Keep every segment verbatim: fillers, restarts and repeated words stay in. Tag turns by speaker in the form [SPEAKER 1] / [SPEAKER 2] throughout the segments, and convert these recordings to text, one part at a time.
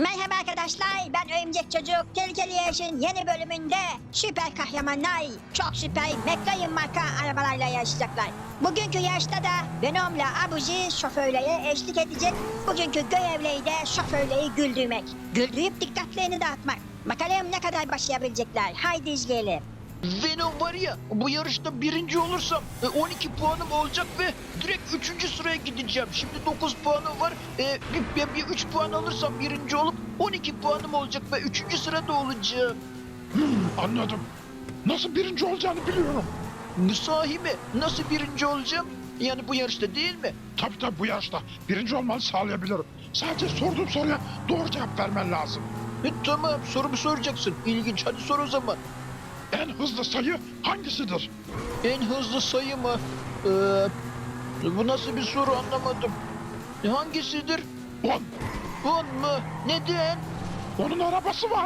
[SPEAKER 1] Merhaba arkadaşlar, ben Örümcek Çocuk. Tehlikeli Yarış'ın yeni bölümünde süper kahramanlar çok süper McLaren marka arabalarla yarışacaklar. Bugünkü yarışta da Venom'la Abuzi şoförlere eşlik edecek. Bugünkü görevleri de şoförleri güldürmek. Güldürüp dikkatlerini dağıtmak. Bakalım ne kadar başlayabilecekler. Haydi izleyelim.
[SPEAKER 2] Venom var ya, bu yarışta birinci olursam e, on iki puanım olacak ve direkt üçüncü sıraya gideceğim. Şimdi dokuz puanım var. E, bir, bir, bir üç puan alırsam birinci olup on iki puanım olacak ve üçüncü sırada olacağım.
[SPEAKER 3] Hmm, anladım. Nasıl birinci olacağını biliyorum.
[SPEAKER 2] Sahi mi? Nasıl birinci olacağım? Yani bu yarışta değil mi?
[SPEAKER 3] Tabii tabii bu yaşta birinci olmanı sağlayabilirim. Sadece sorduğum soruya doğru cevap vermen lazım.
[SPEAKER 2] E, tamam, sorumu soracaksın. İlginç, hadi sor o zaman.
[SPEAKER 3] En hızlı sayı hangisidir?
[SPEAKER 2] En hızlı sayı mı? Ee, bu nasıl bir soru, anlamadım. E, hangisidir?
[SPEAKER 3] On.
[SPEAKER 2] on mu? Neden?
[SPEAKER 3] Onun arabası var.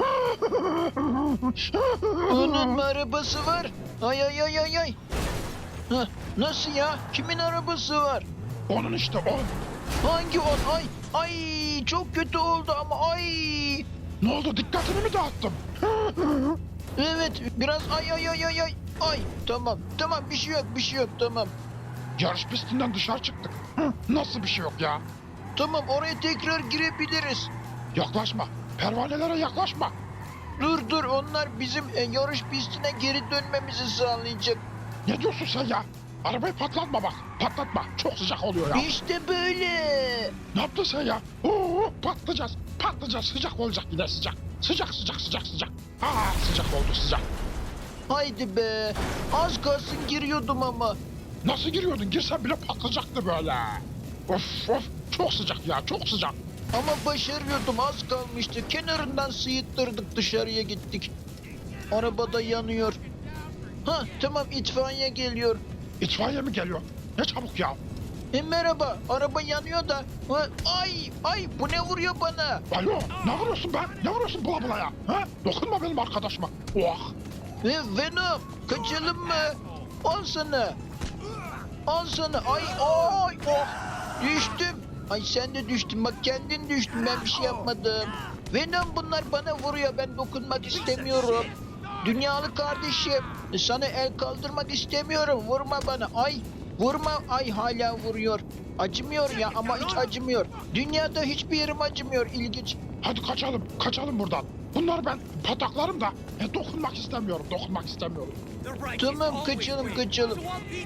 [SPEAKER 2] Onun mu arabası var? Ay ay ay ay ay. Hah, nasıl ya? Kimin arabası var?
[SPEAKER 3] Onun işte on.
[SPEAKER 2] Hangi on? Ay ay, çok kötü oldu ama ay.
[SPEAKER 3] Ne oldu, dikkatini mi dağıttım?
[SPEAKER 2] Evet, biraz ay ay ay ay ay. Ay, tamam tamam, bir şey yok bir şey yok, tamam.
[SPEAKER 3] Yarış pistinden dışarı çıktık. Hı, nasıl bir şey yok ya?
[SPEAKER 2] Tamam, oraya tekrar girebiliriz.
[SPEAKER 3] Yaklaşma. Pervanelere yaklaşma.
[SPEAKER 2] Dur dur, onlar bizim e, yarış pistine geri dönmemizi sağlayacak.
[SPEAKER 3] Ne diyorsun sen ya? Arabayı patlatma bak. Patlatma. Çok sıcak oluyor ya.
[SPEAKER 2] İşte böyle.
[SPEAKER 3] Ne yaptın sen ya? Oo, patlayacağız. Patlayacağız. Sıcak olacak yine sıcak. Sıcak sıcak sıcak sıcak. Aa, sıcak oldu sıcak.
[SPEAKER 2] Haydi be. Az kalsın giriyordum ama.
[SPEAKER 3] Nasıl giriyordun? Girsen bile patlayacaktı böyle. Of of. Çok sıcak ya. Çok sıcak.
[SPEAKER 2] Ama başarıyordum, az kalmıştı. Kenarından sıyıttırdık, dışarıya gittik. Arabada yanıyor. Ha tamam, itfaiye geliyor.
[SPEAKER 3] İtfaiye mi geliyor? Ne çabuk ya.
[SPEAKER 2] E, merhaba, araba yanıyor da. Ha, ay ay, bu ne vuruyor bana?
[SPEAKER 3] Alo, ne vuruyorsun be? Ne vuruyorsun bula bula ya? Ha? Dokunma benim arkadaşıma. Oh.
[SPEAKER 2] E, Venom, kaçalım mı? Al sana. Al sana. Ay ay oh. Düştüm. Ay sen de düştün, bak kendin düştün, ben bir şey yapmadım. Venom, bunlar bana vuruyor, ben dokunmak istemiyorum. Dünyalı kardeşim, sana el kaldırmak istemiyorum, vurma bana. Ay vurma, ay hala vuruyor. Acımıyor ya, ama hiç acımıyor. Dünyada hiçbir yerim acımıyor, ilginç.
[SPEAKER 3] Hadi kaçalım. Kaçalım buradan. Bunlar ben pataklarım da. E, dokunmak istemiyorum. Dokunmak istemiyorum.
[SPEAKER 2] Tamam, kaçalım kaçalım.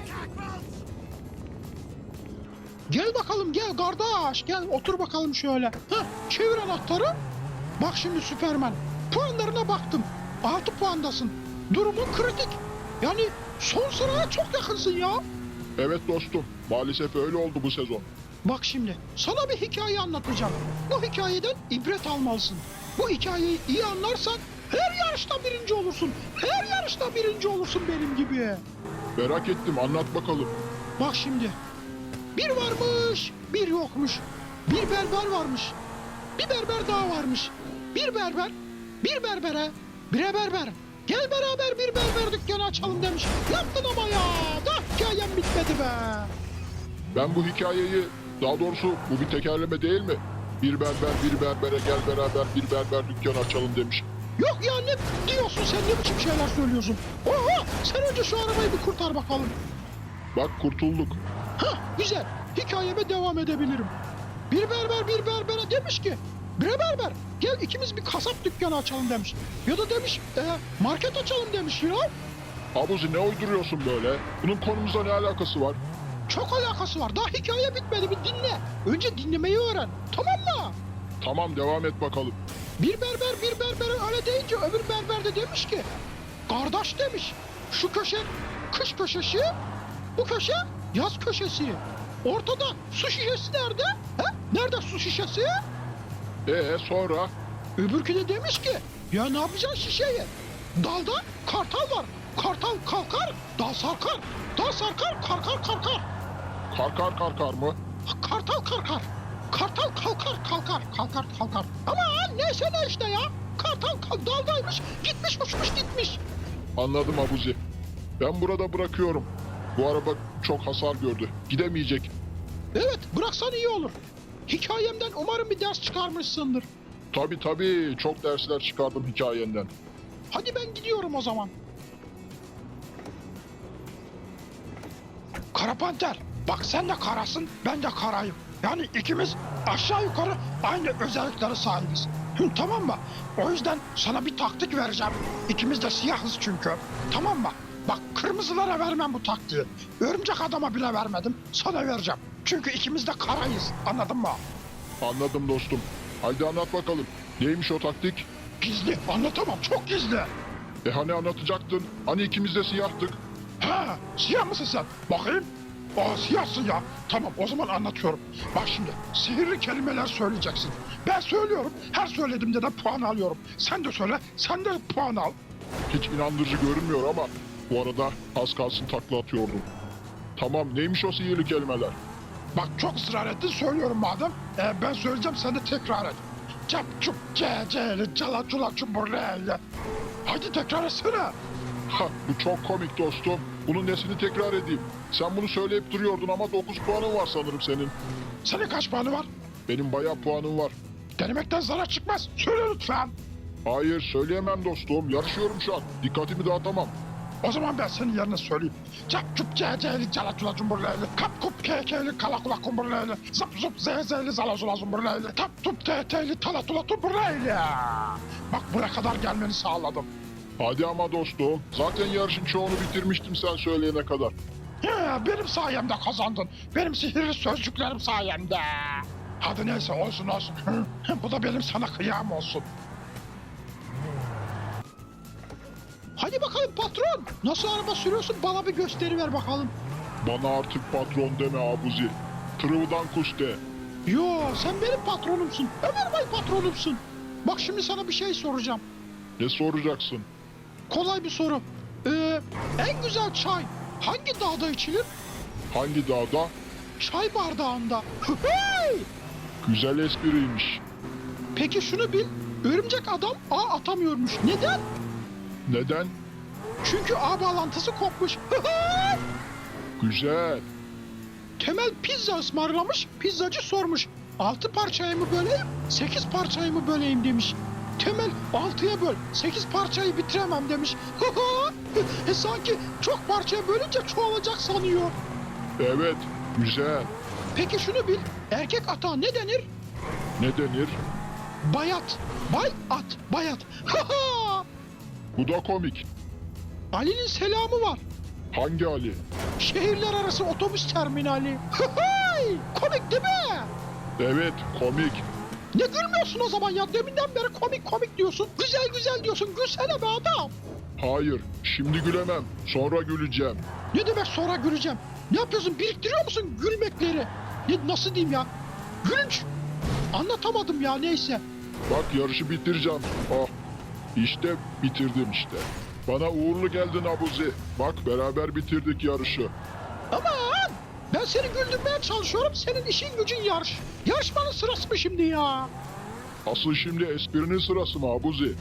[SPEAKER 3] Gel bakalım gel kardeş gel otur bakalım şöyle. Heh, çevir anahtarı. Bak şimdi Süpermen. Puanlarına baktım. altı puandasın. Durumun kritik. Yani son sıraya çok yakınsın ya.
[SPEAKER 4] Evet dostum, maalesef öyle oldu bu sezon.
[SPEAKER 3] Bak şimdi sana bir hikaye anlatacağım. Bu hikayeden ibret almalısın. Bu hikayeyi iyi anlarsan her yarışta birinci olursun. Her yarışta birinci olursun benim gibi.
[SPEAKER 4] Merak ettim, anlat bakalım.
[SPEAKER 3] Bak şimdi. Bir varmış, bir yokmuş. Bir berber varmış. Bir berber daha varmış. Bir berber, bir berbere, bire berber. Gel beraber bir berber dükkanı açalım demiş. Yaptın ama ya. Da hikayem bitmedi be.
[SPEAKER 4] Ben bu hikayeyi, daha doğrusu bu bir tekerleme değil mi? Bir berber bir berbere gel beraber bir berber dükkanı açalım demiş.
[SPEAKER 3] Yok ya, ne diyorsun sen, ne biçim şeyler söylüyorsun? Oha, sen önce şu arabayı bir kurtar bakalım.
[SPEAKER 4] Bak kurtulduk.
[SPEAKER 3] Hah, güzel. Hikayeme devam edebilirim. Bir berber bir berbere demiş ki, bre berber gel ikimiz bir kasap dükkanı açalım demiş. Ya da demiş e, market açalım demiş ya.
[SPEAKER 4] Abuzi, ne uyduruyorsun böyle? Bunun konumuzla ne alakası var?
[SPEAKER 3] Çok alakası var. Daha hikaye bitmedi, bir dinle. Önce dinlemeyi öğren. Tamam mı?
[SPEAKER 4] Tamam, devam et bakalım.
[SPEAKER 3] Bir berber bir berbere öyle deyince öbür berber de demiş ki, kardeş demiş, şu köşe kış köşesi, bu köşe yaz köşesi. Ortada su şişesi nerede? He? Nerede su şişesi?
[SPEAKER 4] Ee sonra?
[SPEAKER 3] Öbürkü de demiş ki, ya ne yapacaksın şişeyi? Dalda kartal var. Kartal kalkar, dal sarkar. Dal sarkar, karkar karkar.
[SPEAKER 4] Karkar karkar mı?
[SPEAKER 3] Kartal karkar. Kartal kalkar kalkar kalkar kalkar. Ama neyse ne işte ya. Kartal kal- daldaymış, gitmiş uçmuş gitmiş.
[SPEAKER 4] Anladım Abuzi. Ben burada bırakıyorum. Bu araba çok hasar gördü. Gidemeyecek.
[SPEAKER 3] Evet, bıraksan iyi olur. Hikayemden umarım bir ders çıkarmışsındır.
[SPEAKER 4] Tabii tabii, çok dersler çıkardım hikayenden.
[SPEAKER 3] Hadi ben gidiyorum o zaman. Kara Panter, bak sen de karasın, ben de karayım. Yani ikimiz aşağı yukarı aynı özelliklere sahibiz. Hı, tamam mı? O yüzden sana bir taktik vereceğim. İkimiz de siyahız çünkü. Tamam mı? Bak kırmızılara vermem bu taktiği. Örümcek adama bile vermedim. Sana vereceğim. Çünkü ikimiz de karayız. Anladın mı?
[SPEAKER 4] Anladım dostum. Haydi anlat bakalım. Neymiş o taktik?
[SPEAKER 3] Gizli. Anlatamam. Çok gizli.
[SPEAKER 4] E hani anlatacaktın? Hani ikimiz de siyahtık?
[SPEAKER 3] Ha, siyah mısın sen? Bakayım. Aa, siyahsın ya. Tamam, o zaman anlatıyorum. Bak şimdi, sihirli kelimeler söyleyeceksin. Ben söylüyorum, her söylediğimde de puan alıyorum. Sen de söyle, sen de puan al.
[SPEAKER 4] Hiç inandırıcı görünmüyor ama bu arada az kalsın takla atıyordum. Tamam, neymiş o sihirli kelimeler?
[SPEAKER 3] Bak çok ısrar ettin, söylüyorum madem. Ee, ben söyleyeceğim, sen de tekrar et. Cap çup ce celi cala cula çuburleyli. Hadi tekrar etsene.
[SPEAKER 4] Ha, bu çok komik dostum. Bunun nesini tekrar edeyim? Sen bunu söyleyip duruyordun ama dokuz puanın var sanırım senin.
[SPEAKER 3] Senin kaç puanı var?
[SPEAKER 4] Benim bayağı puanım var.
[SPEAKER 3] Denemekten zarar çıkmaz. Söyle lütfen.
[SPEAKER 4] Hayır, söyleyemem dostum. Yarışıyorum şu an. Dikkatimi dağıtamam.
[SPEAKER 3] O zaman ben senin yerine söyleyeyim. Cap çup ce celi cala cula cumburleyli. Kap kup kekeli kala kula kumburleyli. Zap zup ze zeli zala zula zumburleyli. Tap tup te teli tala tula tumburleyli. Bak buraya kadar gelmeni sağladım.
[SPEAKER 4] Hadi ama dostum. Zaten yarışın çoğunu bitirmiştim sen söyleyene kadar.
[SPEAKER 3] Ya, benim sayemde kazandın. Benim sihirli sözcüklerim sayemde. Hadi neyse olsun olsun. Bu da benim sana kıyam olsun. Hadi bakalım patron. Nasıl araba sürüyorsun bana bir gösteri ver bakalım.
[SPEAKER 4] Bana artık patron deme Abuzi. Tırıvıdan kuş de.
[SPEAKER 3] Yo sen benim patronumsun. Ömer Bey patronumsun. Bak şimdi sana bir şey soracağım.
[SPEAKER 4] Ne soracaksın?
[SPEAKER 3] Kolay bir soru. Ee, en güzel çay hangi dağda içilir?
[SPEAKER 4] Hangi dağda?
[SPEAKER 3] Çay bardağında. Hey!
[SPEAKER 4] Güzel espriymiş.
[SPEAKER 3] Peki şunu bil. Örümcek adam ağ atamıyormuş. Neden?
[SPEAKER 4] Neden?
[SPEAKER 3] Çünkü ağ bağlantısı kopmuş.
[SPEAKER 4] Güzel.
[SPEAKER 3] Temel pizza ısmarlamış. Pizzacı sormuş. Altı parçaya mı böleyim, sekiz parçaya mı böleyim demiş. Temel altıya böl, sekiz parçayı bitiremem demiş. e, sanki çok parçaya bölünce çoğalacak sanıyor.
[SPEAKER 4] Evet, güzel.
[SPEAKER 3] Peki şunu bil. Erkek ata ne denir?
[SPEAKER 4] Ne denir?
[SPEAKER 3] Bayat. Bay at. Bayat.
[SPEAKER 4] Bu da komik.
[SPEAKER 3] Ali'nin selamı var.
[SPEAKER 4] Hangi Ali?
[SPEAKER 3] Şehirler arası otobüs terminali. Komik değil mi?
[SPEAKER 4] Evet, komik.
[SPEAKER 3] Ne gülmüyorsun o zaman ya? Deminden beri komik komik diyorsun. Güzel güzel diyorsun. Gülsene be adam.
[SPEAKER 4] Hayır, şimdi gülemem. Sonra güleceğim.
[SPEAKER 3] Ne demek sonra güleceğim? Ne yapıyorsun? Biriktiriyor musun gülmekleri? Ne, nasıl diyeyim ya? Gülünç. Anlatamadım ya neyse.
[SPEAKER 4] Bak yarışı bitireceğim. Oh, işte bitirdim işte. Bana uğurlu geldin Abuzi. Bak beraber bitirdik yarışı.
[SPEAKER 3] Aman! Ben seni güldürmeye çalışıyorum. Senin işin gücün yarış. Yarışmanın sırası mı şimdi ya?
[SPEAKER 4] Asıl şimdi esprinin sırası mı Abuzi?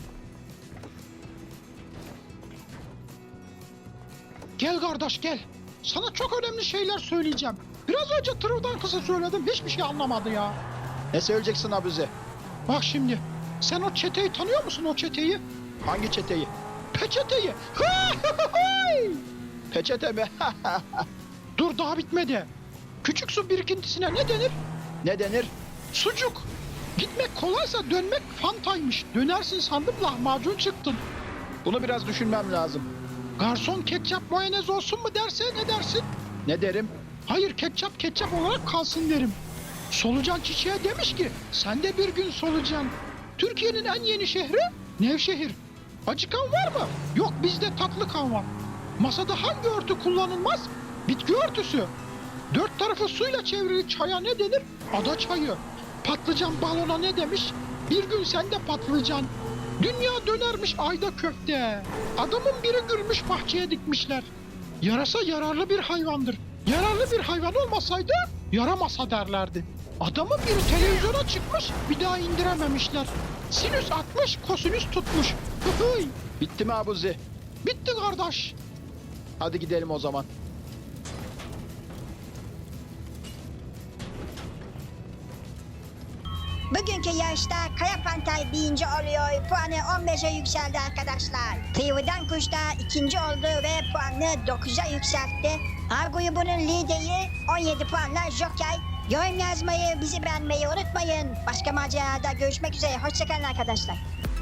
[SPEAKER 3] Gel kardeş gel. Sana çok önemli şeyler söyleyeceğim. Biraz önce tırıvdan kısa söyledim. Hiçbir şey anlamadı ya.
[SPEAKER 2] Ne söyleyeceksin Abuzi?
[SPEAKER 3] Bak şimdi. Sen o çeteyi tanıyor musun o çeteyi?
[SPEAKER 2] Hangi çeteyi?
[SPEAKER 3] Peçeteyi.
[SPEAKER 2] Peçete mi?
[SPEAKER 3] Dur daha bitmedi. Küçük su birikintisine ne denir?
[SPEAKER 2] Ne denir?
[SPEAKER 3] Sucuk. Gitmek kolaysa dönmek fantaymış. Dönersin sandım lahmacun çıktın.
[SPEAKER 2] Bunu biraz düşünmem lazım.
[SPEAKER 3] Garson ketçap mayonez olsun mu derse ne dersin?
[SPEAKER 2] Ne derim?
[SPEAKER 3] Hayır ketçap ketçap olarak kalsın derim. Solucan çiçeğe demiş ki sen de bir gün solucan. Türkiye'nin en yeni şehri Nevşehir. Acıkan var mı? Yok bizde tatlı kan var. Masada hangi örtü kullanılmaz? Bitki örtüsü. Dört tarafı suyla çevrili çaya ne denir? Ada çayı. Patlıcan balona ne demiş? Bir gün sen de patlıcan. Dünya dönermiş ayda köfte. Adamın biri gülmüş bahçeye dikmişler. Yarasa yararlı bir hayvandır. Yararlı bir hayvan olmasaydı yaramasa derlerdi. Adamın biri televizyona çıkmış bir daha indirememişler. Sinüs atmış kosinüs tutmuş. Hıhıy.
[SPEAKER 2] Bitti mi Abuzi?
[SPEAKER 3] Bitti kardeş.
[SPEAKER 2] Hadi gidelim o zaman.
[SPEAKER 1] Bugünkü yarışta Kaya Pantay birinci oluyor. Puanı on beşe yükseldi arkadaşlar. Tıyvıdan Kuş da ikinci oldu ve puanını dokuza yükseltti. A grubunun lideri on yedi puanla Joker. Yorum yazmayı, bizi beğenmeyi unutmayın. Başka macerada görüşmek üzere. Hoşçakalın arkadaşlar.